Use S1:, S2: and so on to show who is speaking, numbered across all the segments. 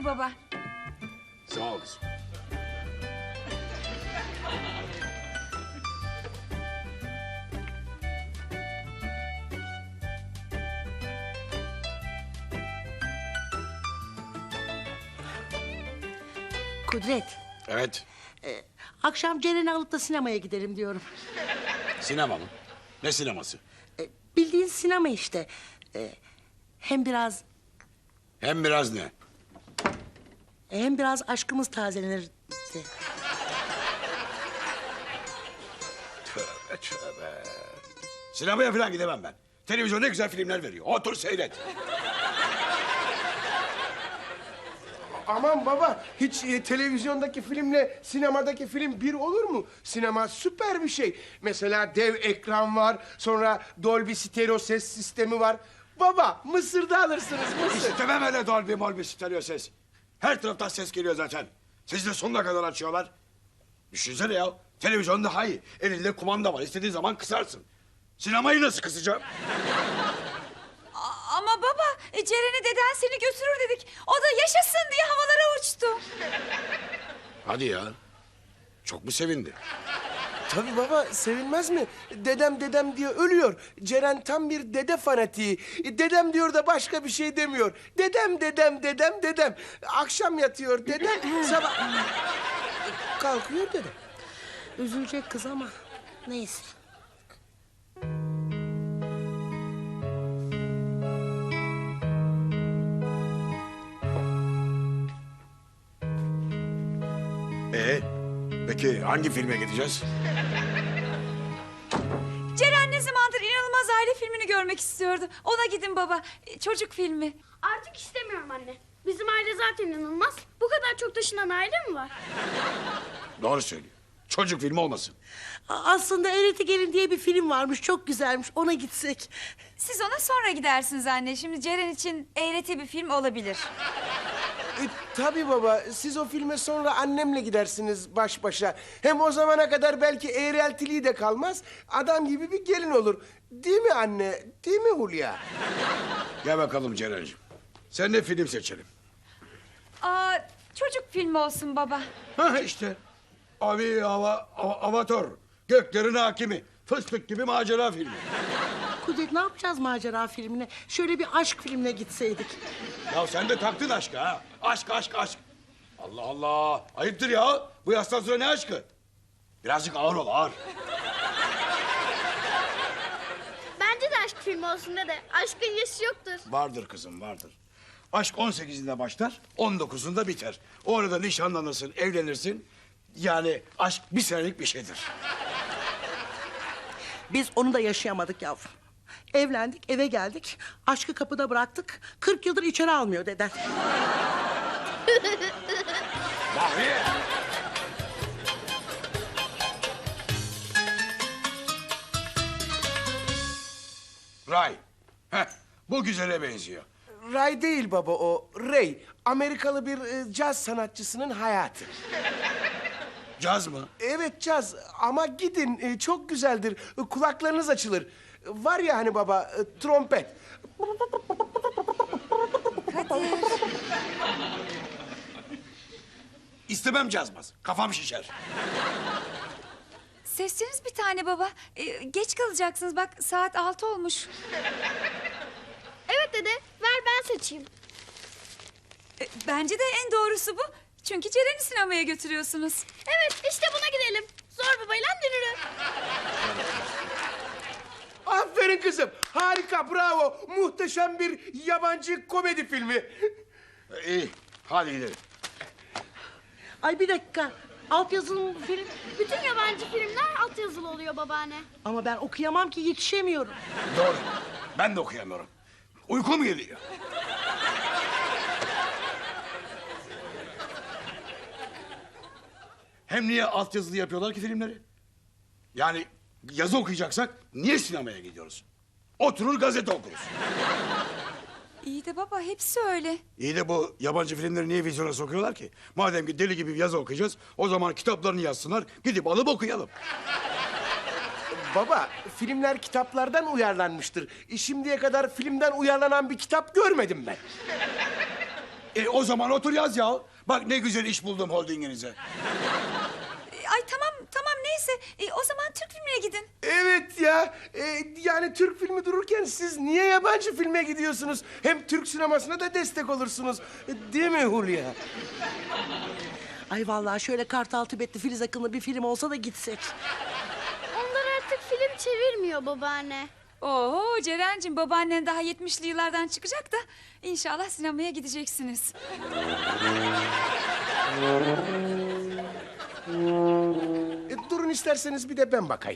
S1: Buyur baba.
S2: Sağ ol kızım.
S3: Kudret,
S2: Evet.
S3: akşam Ceren'i alıp da sinemaya gidelim diyorum.
S2: Sinema mı? Ne sineması?
S3: Bildiğin sinema işte. Hem biraz
S2: Hem biraz ne?
S3: aşkımız tazelenir.
S2: Tövbe tövbe. Sinemaya falan gidemem ben. Televizyon ne güzel filmler veriyor. Otur seyret.
S4: Aman baba, hiç televizyondaki filmle sinemadaki film bir olur mu? Sinema süper bir şey. Mesela dev ekran var, sonra Dolby stereo ses sistemi var. Baba, Mısır'da alırsınız, Mısır.
S2: İstemem öyle Dolby Molby stereo ses. Her taraftan ses geliyor zaten. Siz de sonuna kadar açıyorlar. Düşünsene ya. Televizyon daha iyi. Elinde kumanda var. İstediğin zaman kısarsın. Sinemayı nasıl kısacağım?
S1: Ama baba Ceren'i deden seni götürür dedik. O da yaşasın diye havalara uçtu.
S2: Hadi ya. Çok mu sevindi?
S4: Tabii baba, sevinmez mi? Dedem diye ölüyor. Ceren tam bir dede fanatiği. Dedem diyor da başka bir şey demiyor. Dedem. Akşam yatıyor dedem, sabah... Kalkıyor dedem.
S3: Üzülecek kız ama neyse.
S2: Peki hangi filme gideceğiz?
S1: Ceren ne zamandır inanılmaz aile filmini görmek istiyordu. Ona gidin baba. Çocuk filmi.
S5: Artık istemiyorum anne. Bizim aile zaten inanılmaz. Bu kadar çok taşınan aile mi var?
S2: Doğru söylüyor. Çocuk filmi olmasın.
S3: Aslında Eğreti Gelin diye bir film varmış, çok güzelmiş. Ona gitsek.
S1: Siz ona sonra gidersiniz anne. Şimdi Ceren için eğreti bir film olabilir.
S4: Tabii baba, siz o filme sonra annemle gidersiniz baş başa. Hem o zamana kadar belki eğreltiliği de kalmaz. Adam gibi bir gelin olur. Değil mi anne? Değil mi Hulya?
S2: Gel bakalım Ceren'ciğim. Sen de film seçelim.
S1: Çocuk filmi olsun baba.
S2: Ha işte. Avatar. Göklerin hakimi. Fıstık gibi macera filmi.
S3: Kudret, ne yapacağız macera filmine? Şöyle bir aşk filmine gitseydik.
S2: Ya sen de taktın aşkı ha. Aşk. Allah Allah. Ayıptır ya. Bu yaştan sonra ne aşkı? Birazcık ağır ol, ağır.
S5: Bence de aşk filmi olsun dede. Aşkın yaşı yoktur.
S2: Vardır kızım, vardır. Aşk 18'inde başlar, 19'unda biter. O arada nişanlanırsın, evlenirsin. Yani aşk bir senelik bir şeydir.
S3: Biz onu da yaşayamadık yavrum. Evlendik, eve geldik. Aşkı kapıda bıraktık. 40 yıldır içeri almıyor deden.
S2: Bahriye! Ray. Heh, bu güzele benziyor.
S4: Ray değil baba o, Ray. Amerikalı bir caz sanatçısının hayatı.
S2: Caz mı?
S4: Evet caz ama gidin çok güzeldir. Kulaklarınız açılır. Var ya hani baba trompet.
S2: İstemem cazmaz. Kafam şişer.
S1: Sesiniz bir tane baba. Geç kalacaksınız bak saat 6 olmuş.
S5: Evet dede, ver ben seçeyim.
S1: Bence de en doğrusu bu. Çünkü Ceren'i sinemaya götürüyorsunuz.
S5: Evet, işte buna gidelim. Zor babayla dönürüm.
S4: Aferin kızım. Harika, bravo. Muhteşem bir yabancı komedi filmi.
S2: İyi, hadi gidelim.
S3: Ay bir dakika. Altyazılı mı bu film?
S5: Bütün yabancı filmler altyazılı oluyor babaanne.
S3: Ama ben okuyamam ki, yetişemiyorum.
S2: Doğru. Ben de okuyamıyorum. Uykum geliyor. Hem niye altyazılı yapıyorlar ki filmleri? Yani yazı okuyacaksak niye sinemaya gidiyoruz? Oturur gazete okuruz.
S1: İyi de baba hepsi öyle.
S2: İyi de bu yabancı filmleri niye vizyona sokuyorlar ki? Madem ki deli gibi bir yazı okuyacağız, o zaman kitaplarını yazsınlar, gidip alıp okuyalım.
S4: Baba, filmler kitaplardan uyarlanmıştır. Şimdiye kadar filmden uyarlanan bir kitap görmedim ben.
S2: O zaman otur yaz ya. Bak ne güzel iş buldum holdinginize.
S1: Ay tamam neyse. O zaman Türk filmine gidin.
S4: Evet ya. Yani Türk filmi dururken siz niye yabancı filme gidiyorsunuz? Hem Türk sinemasına da destek olursunuz. Değil mi Hulya?
S3: Ay vallahi şöyle Kartal Tibetli Filiz Akın'lı bir film olsa da gitsek.
S5: Onlar artık film çevirmiyor babaanne.
S1: Oo Ceren'cim babaannen daha 70'li yıllardan çıkacak da inşallah sinemaya gideceksiniz.
S4: Durun isterseniz bir de ben bakayım.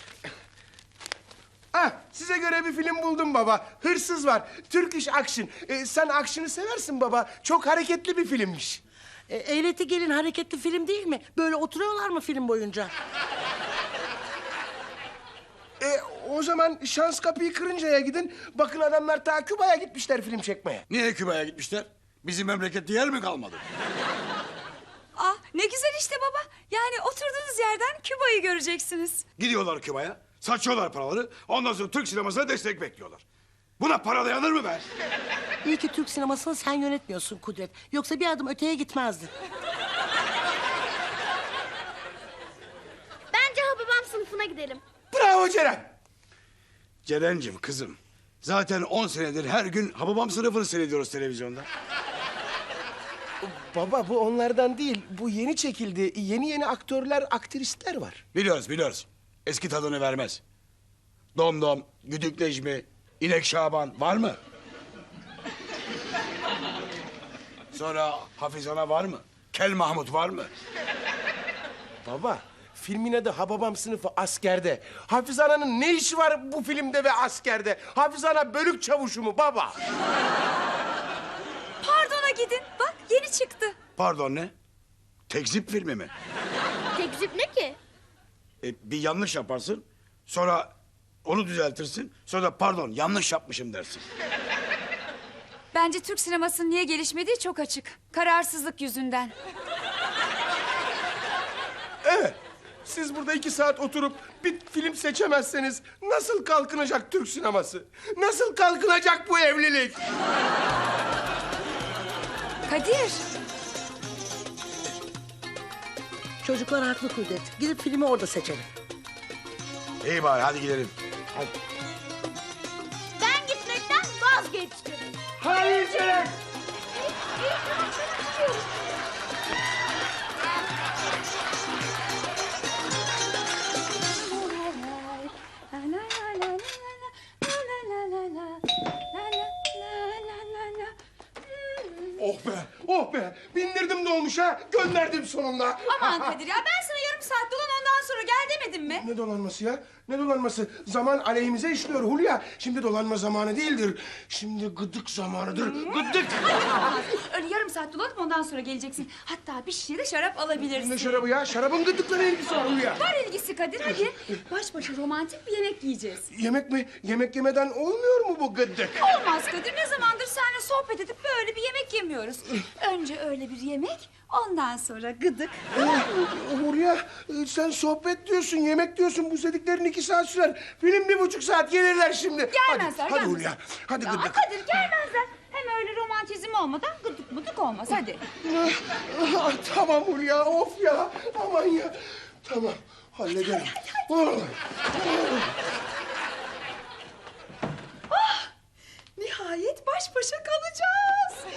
S4: Ah, size göre bir film buldum baba. Hırsız var. Turkish Action. Sen action'ı seversin baba. Çok hareketli bir filmmiş.
S3: Eğreti Gelin hareketli film değil mi? Böyle oturuyorlar mı film boyunca?
S4: O zaman şans kapıyı kırıncaya gidin. Bakın adamlar ta Küba'ya gitmişler film çekmeye.
S2: Niye Küba'ya gitmişler? Bizim memlekette yer mi kalmadı?
S1: Ne güzel işte baba. Yani oturduğunuz yerden Küba'yı göreceksiniz.
S2: Gidiyorlar Küba'ya, saçıyorlar paraları. Ondan sonra Türk sinemasına destek bekliyorlar. Buna para dayanır mı be?
S3: İyi ki Türk sinemasını sen yönetmiyorsun Kudret. Yoksa bir adım öteye gitmezdin.
S5: Bence Hababam sınıfına gidelim.
S4: Bravo Ceren.
S2: Ceren'cim kızım. Zaten 10 senedir her gün Hababam sınıfını seyrediyoruz televizyonda.
S4: Baba bu onlardan değil. Bu yeni çekildi. Yeni aktörler, aktrisler var.
S2: Biliyoruz. Eski tadını vermez. Domdom, Güdük Necmi, İnek Şaban var mı? Sonra Hafiz Ana var mı? Kel Mahmut var mı?
S4: Baba, filmin adı Hababam sınıfı askerde. Hafiz Ana'nın ne işi var bu filmde ve askerde? Hafiz Ana bölük çavuşu mu baba?
S1: Pardon'a gidin. Bak yeni çıktı.
S2: Pardon ne? Tekzip filmi mi?
S5: Tekzip ne ki?
S2: Bir yanlış yaparsın, sonra onu düzeltirsin, sonra da pardon yanlış yapmışım dersin.
S1: Bence Türk sinemasının niye gelişmediği çok açık. Kararsızlık yüzünden.
S4: Evet. Siz burada 2 saat oturup bir film seçemezseniz nasıl kalkınacak Türk sineması? Nasıl kalkınacak bu evlilik?
S1: Kadir.
S3: Çocuklar haklı Kudret. Gidip filmi orada seçelim.
S2: İyi bari hadi gidelim.
S5: Ben gitmekten vazgeçtim.
S4: Hayır Ceren.
S5: İyi tamam ben istiyorum.
S4: Oh be, oh be. Bindirdim dolmuşa, gönderdim sonunda.
S1: Aman Kadir ya ben sana yarım saat dolan ondan sonra gel demedim mi?
S4: Ne dolanması ya? Ne dolanması? Zaman aleyhimize işliyor Hulya. Şimdi dolanma zamanı değildir. Şimdi gıdık zamanıdır. Gıdık.
S1: Olmaz. Öyle yarım saat dolanıp ondan sonra geleceksin. Hatta bir şişe de şarap alabilirsin.
S4: Ne şarabı ya? Şarabın gıdıkla ne ilgisi var Hulya?
S1: Var ilgisi Kadir hadi. Baş başa romantik bir yemek yiyeceğiz.
S4: Yemek mi? Yemek yemeden olmuyor mu bu gıdık?
S1: Olmaz Kadir ne zamandır seninle sohbet edip böyle bir yemek yemiyoruz. Önce öyle bir yemek ondan sonra gıdık.
S4: Hulya sen sohbet diyorsun, yemek diyorsun. Bu dediklerin 2 saat sürer. Film 1,5 saat gelirler şimdi.
S1: Gelmezler,
S4: Hadi
S1: gelmezler.
S4: Hulya, hadi
S1: Ya
S4: gıdık.
S1: Kadir gelmezler. Hem öyle romantizm olmadan gıdık mıdık olmaz hadi.
S4: Tamam Hulya, of ya. Aman ya. Tamam, hallederim.
S1: Nihayet baş başa kalacağız.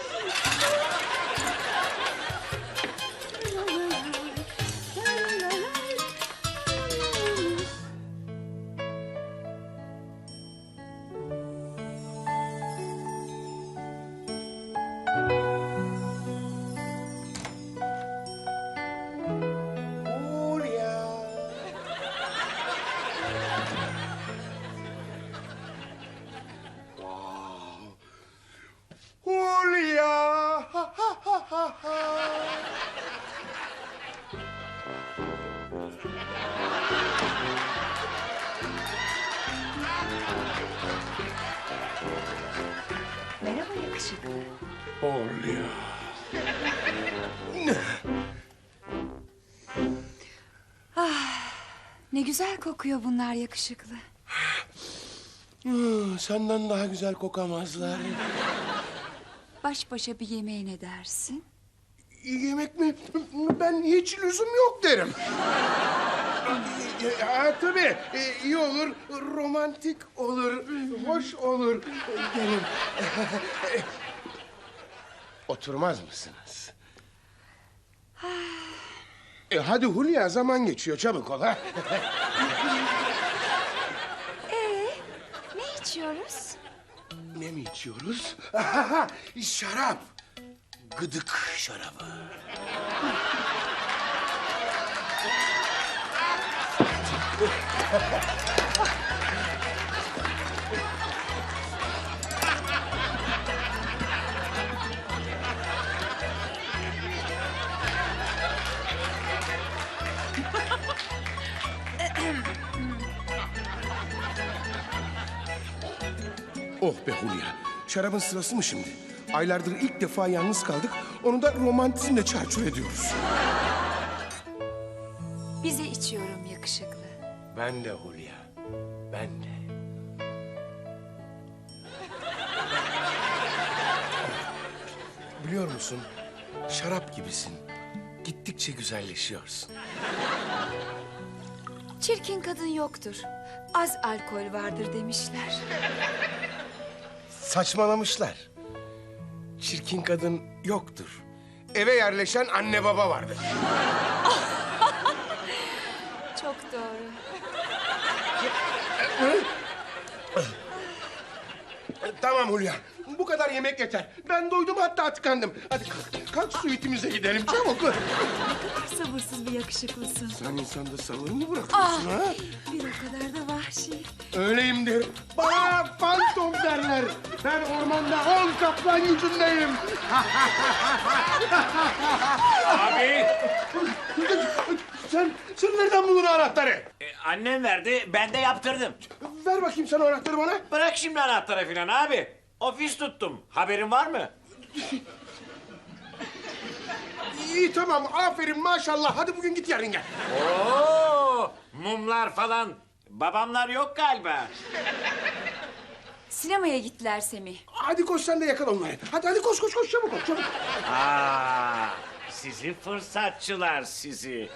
S4: Hulya. Hulya. Ha, ha, ha, ha, ha.
S1: Merhaba yakışıklı.
S4: Hulya.
S1: Ne güzel kokuyor bunlar yakışıklı.
S4: Senden daha güzel kokamazlar.
S1: baş başa bir yemeğe ne dersin?
S4: Yemek mi? Ben hiç lüzum yok derim. Tabii iyi olur, romantik olur, hoş olur derim. Oturmaz mısınız? Hadi Hulya, zaman geçiyor, çabuk ol ha.
S1: Ne içiyoruz?
S4: Ne mi içiyoruz? Şarap. Gıdık şarabı. Oh be Hulya. Şarabın sırası mı şimdi? Aylardır ilk defa yalnız kaldık. Onu da romantizmle çarçur ediyoruz.
S1: Bize içiyorum yakışıklı.
S4: Ben de Hulya. Ben de. Biliyor musun? Şarap gibisin. Gittikçe güzelleşiyorsun.
S1: Çirkin kadın yoktur. Az alkol vardır demişler.
S4: Saçmalamışlar. Çirkin kadın yoktur. Eve yerleşen anne baba vardır.
S1: Çok doğru.
S4: Tamam Hulya. Bu kadar yemek yeter. Ben doydum, hatta tıkandım. Hadi kalk, kalk suitimize gidelim çabuk.
S1: Sabırsız bir yakışıklısın.
S4: Sen insanda sabır mı bırakıyorsun ha?
S1: Bir o kadar da vahşi.
S4: Öyleyimdir. Bana fantom derler. Ben ormanda 10 kaplan gücündeyim.
S6: Abi,
S4: Sen nereden buldun anahtarı?
S6: annem verdi, ben de yaptırdım.
S4: Ver bakayım sen o anahtarı bana.
S6: Bırak şimdi anahtarı filan abi. Ofis tuttum. Haberin var mı?
S4: İyi tamam, aferin maşallah. Hadi bugün git, yarın gel.
S6: Oo, mumlar falan. Babamlar yok galiba.
S1: Sinemaya gittiler Semih.
S4: Hadi koş sen de yakala onları. Hadi koş çabuk ol çabuk.
S6: Aa, sizi fırsatçılar sizi.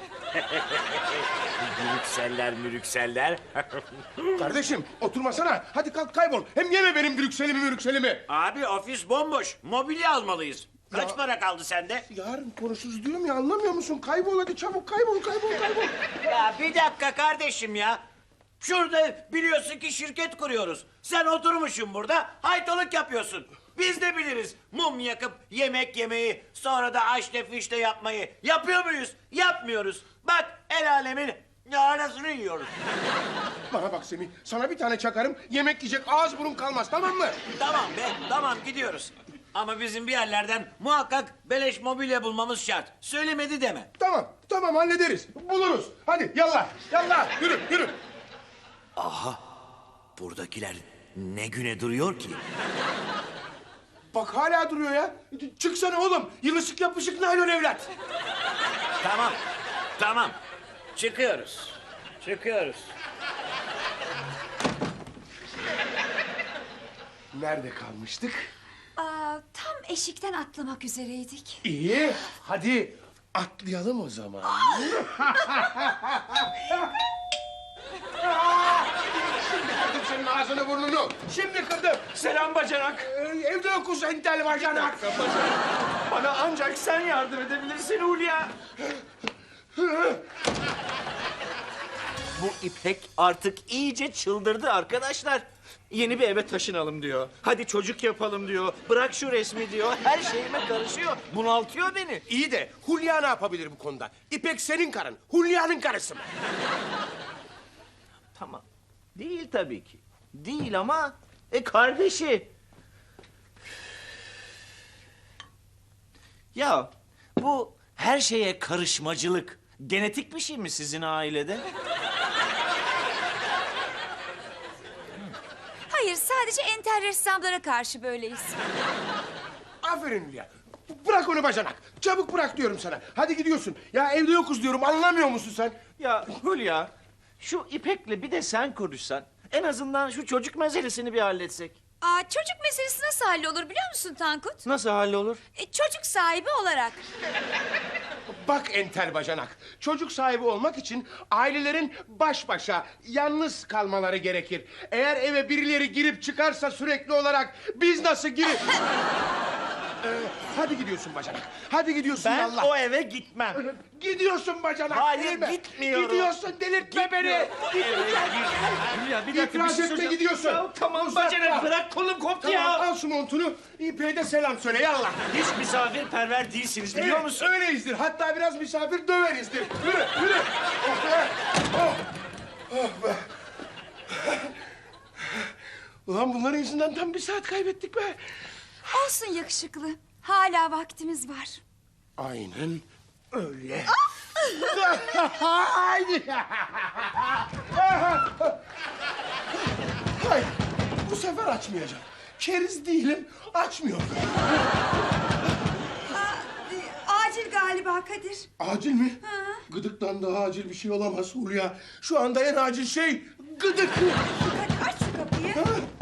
S6: Mürükseller.
S4: Kardeşim oturmasana. Hadi kalk kaybol. Hem yeme benim Brüksel'imi.
S6: Abi ofis bomboş. Mobilya almalıyız. Kaç para kaldı sende?
S4: Yarın konuşuruz diyorum ya, anlamıyor musun? Kaybol hadi çabuk, kaybol.
S6: Ya bir dakika kardeşim ya. Şurada biliyorsun ki şirket kuruyoruz. Sen oturmuşsun burada haytalık yapıyorsun. Biz de biliriz mum yakıp yemek yemeyi, sonra da aşte fişte yapmayı. Yapıyor muyuz? Yapmıyoruz. Bak el alemin arasını yiyoruz.
S4: Bana bak Semih, sana bir tane çakarım, yemek yiyecek ağız burun kalmaz, tamam mı?
S6: Tamam be, tamam gidiyoruz. Ama bizim bir yerlerden muhakkak beleş mobilya bulmamız şart. Söylemedi deme.
S4: Tamam hallederiz, buluruz. Hadi yallah, yürü.
S6: Buradakiler ne güne duruyor ki?
S4: Bak hala duruyor ya. Çıksana oğlum, yılışık yapışık naylon evlat.
S6: Tamam. Çıkıyoruz.
S4: Nerede kalmıştık?
S1: Tam eşikten atlamak üzereydik.
S4: İyi, hadi atlayalım o zaman. Şimdi kırdım senin ağzını burnunu. Şimdi kırdım.
S6: Selam bacanak.
S4: Evde yokuz entel bacanak.
S6: Bana ancak sen yardım edebilirsin Hulya. Bu İpek artık iyice çıldırdı arkadaşlar. Yeni bir eve taşınalım diyor. Hadi çocuk yapalım diyor. Bırak şu resmi diyor. Her şeyime karışıyor. Bunaltıyor beni.
S4: İyi de Hulya ne yapabilir bu konuda? İpek senin karın, Hulya'nın karısı mı?
S6: Tamam. Değil tabii ki. Değil ama kardeşi. Ya bu her şeye karışmacılık genetik bir şey mi sizin ailede?
S1: Hayır, sadece entel ressamlara karşı böyleyiz.
S4: Aferin Hülya. Bırak onu bacanak. Çabuk bırak diyorum sana. Hadi gidiyorsun. Ya evde yokuz diyorum, anlamıyor musun sen?
S6: Ya Hülya, şu İpek'le bir de sen konuşsan, en azından şu çocuk meselesini bir halletsek.
S1: Çocuk meselesi nasıl hallolur biliyor musun Tankut?
S4: Nasıl hallolur?
S1: Çocuk sahibi olarak.
S4: Bak entel bacanak. Çocuk sahibi olmak için ailelerin baş başa yalnız kalmaları gerekir. Eğer eve birileri girip çıkarsa sürekli olarak biz nasıl girip... hadi gidiyorsun bacanak. Hadi gidiyorsun
S6: Ben
S4: Allah.
S6: o eve gitmem.
S4: Gidiyorsun bacanak.
S6: Hayır,
S4: değil mi?
S6: gitmiyorum.
S4: Gidiyorsun, delirtme beni.
S6: Ya bir dakika,
S4: İtiraz
S6: bir şey
S4: etme,
S6: söyleyeceğim.
S4: gidiyorsun.
S6: Ya tamam
S4: Uzatma.
S6: bacanak, bırak, kolum koptu
S4: Tamam,
S6: ya.
S4: al şu montunu. İpe'ye de selam söyle yallah.
S6: Hiç misafirperver değilsiniz biliyor
S4: Evet,
S6: musun?
S4: öyleyizdir. Hatta biraz misafir döverizdir. Yürü, yürü. Oh be. Oh. Oh be. Ulan bunların yüzünden tam bir saat kaybettik be.
S1: Olsun yakışıklı. Hala vaktimiz var.
S4: Aynen öyle. Haydi. Hayır, bu sefer açmayacağım. Keriz değilim, açmıyorum.
S1: Acil galiba Kadir.
S4: Acil mi? Gıdıktan daha acil bir şey olamaz Hulya. Şu anda en acil şey gıdık.
S1: Hadi aç şu kapıyı.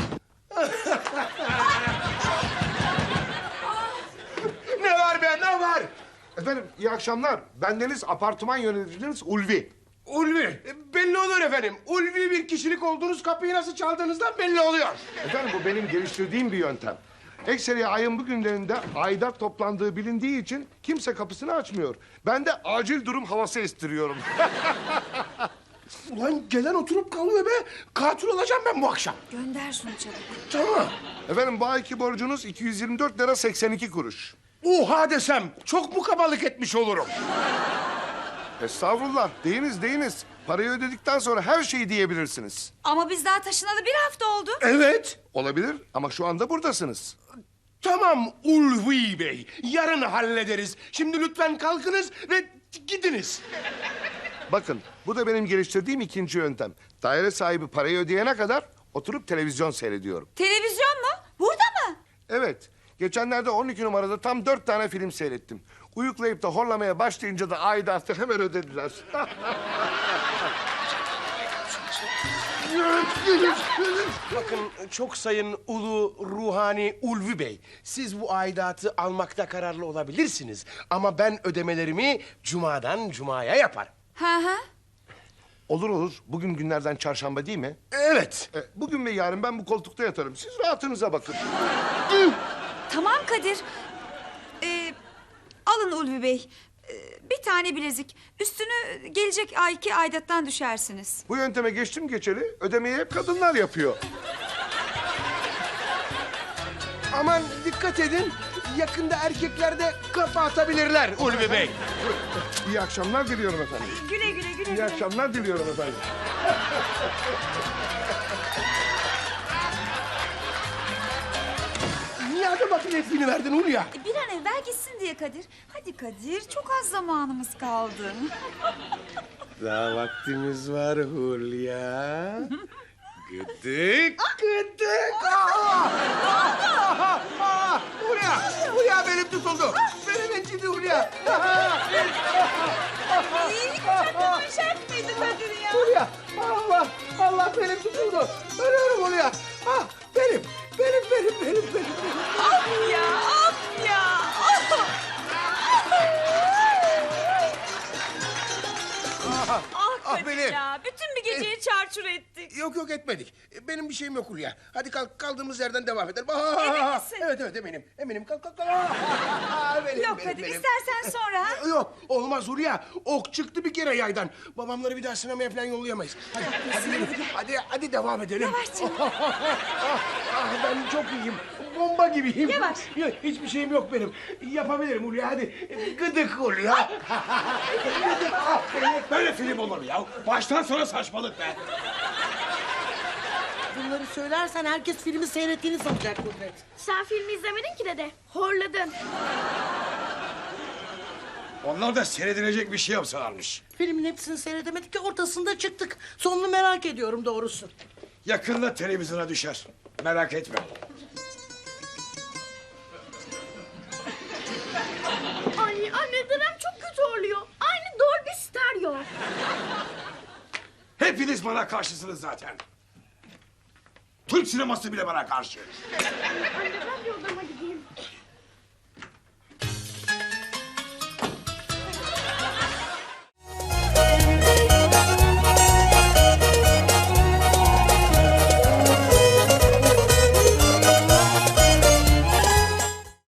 S4: Ne var be, ne var?
S7: Efendim iyi akşamlar. Bendeniz apartman yöneticiniz Ulvi.
S4: Ulvi, belli olur efendim. Ulvi bir kişilik olduğunuz, kapıyı nasıl çaldığınızdan belli oluyor.
S7: Efendim bu benim geliştirdiğim bir yöntem. Ekseri ayın bu günlerinde aidat toplandığı bilindiği için kimse kapısını açmıyor. Ben de acil durum havası estiriyorum.
S4: Ulan gelen oturup kalmıyor be. Katil olacağım ben bu akşam.
S1: Gönder şunu çabuk.
S4: Tamam.
S7: Efendim bu ayki borcunuz 224 lira 82 kuruş.
S4: Oha desem çok mu kabalık etmiş olurum?
S7: Estağfurullah. Deyiniz. Parayı ödedikten sonra her şeyi diyebilirsiniz.
S1: Ama biz daha taşınalı bir hafta oldu.
S4: Evet.
S7: Olabilir ama şu anda buradasınız.
S4: Tamam Ulvi Bey. Yarın hallederiz. Şimdi lütfen kalkınız ve gidiniz.
S7: Bakın bu da benim geliştirdiğim ikinci yöntem. Daire sahibi parayı ödeyene kadar oturup televizyon seyrediyorum.
S1: Televizyon mu? Burada mı?
S7: Evet. Geçenlerde 12 numarada tam 4 tane film seyrettim. Uyuklayıp da horlamaya başlayınca da aidatı hemen ödediler.
S4: Bakın çok sayın ulu ruhani Ulvi Bey. Siz bu aidatı almakta kararlı olabilirsiniz. Ama ben ödemelerimi cumadan cumaya yaparım.
S1: Hı.
S7: Olur. Bugün günlerden çarşamba değil mi?
S4: Evet.
S7: Bugün ve yarın ben bu koltukta yatarım. Siz rahatınıza bakın.
S1: Tamam Kadir. Alın Ulvi Bey. Bir tane bilezik. Üstünü gelecek ayki aidattan düşersiniz.
S7: Bu yönteme geçtim geçeli ödemeyi hep kadınlar yapıyor.
S4: Aman dikkat edin. Yakında erkekler de kafa atabilirler Ulvi Bey.
S7: İyi akşamlar diliyorum efendim.
S1: Güle güle.
S7: İyi akşamlar diliyorum efendim.
S4: Niye adım makinesini verdin Hulya?
S1: Bir an evvel gitsin diye Kadir. Hadi Kadir, çok az zamanımız kaldı.
S4: Daha vaktimiz var Hulya. Gıdık. Gıdık. Hulya benim tutuldu. Benim incidi Hulya.
S1: Çok şart mıydı Kadir ya?
S4: Hulya. Allah benim tutuldu. Ölüyorum Hulya. Benim.
S1: Of ya. Kadir
S4: benim.
S1: ya, bütün bir geceyi çarçur ettik.
S4: Yok etmedik. Benim bir şeyim yok Hulya. Hadi kalk, kaldığımız yerden devam edelim.
S1: Emin misin?
S4: Evet eminim. Kalk. Benim,
S1: Yok Kadir, istersen sonra. ha?
S4: Yok olmaz Hulya. Ok çıktı bir kere yaydan. Babamları bir daha sinemaya falan yollayamayız. Hadi devam edelim.
S1: Yavaş canım.
S4: Ben çok iyiyim. Bomba gibiyim.
S1: Yavaş.
S4: Hiçbir şeyim yok benim. Yapabilirim Hulya hadi. Gıdık Hulya.
S2: Böyle film olur mu ya? Baştan sona saçmalık be.
S3: Bunları söylersen herkes filmi seyrettiğini sanacak Kudret.
S5: Sen filmi izlemedin ki dede. Horladın.
S2: Onlar da seyredilecek bir şey yapsalarmış.
S3: Filmin hepsini seyredemedik ki ortasında çıktık. Sonunu merak ediyorum doğrusu.
S2: Yakında televizyona düşer. Merak etme.
S5: Anne dedem çok kötü oluyor. Aynı Dolby Stereo.
S2: Hepiniz bana karşısınız zaten. Türk sineması bile bana karşı.
S5: Anne ben bir odama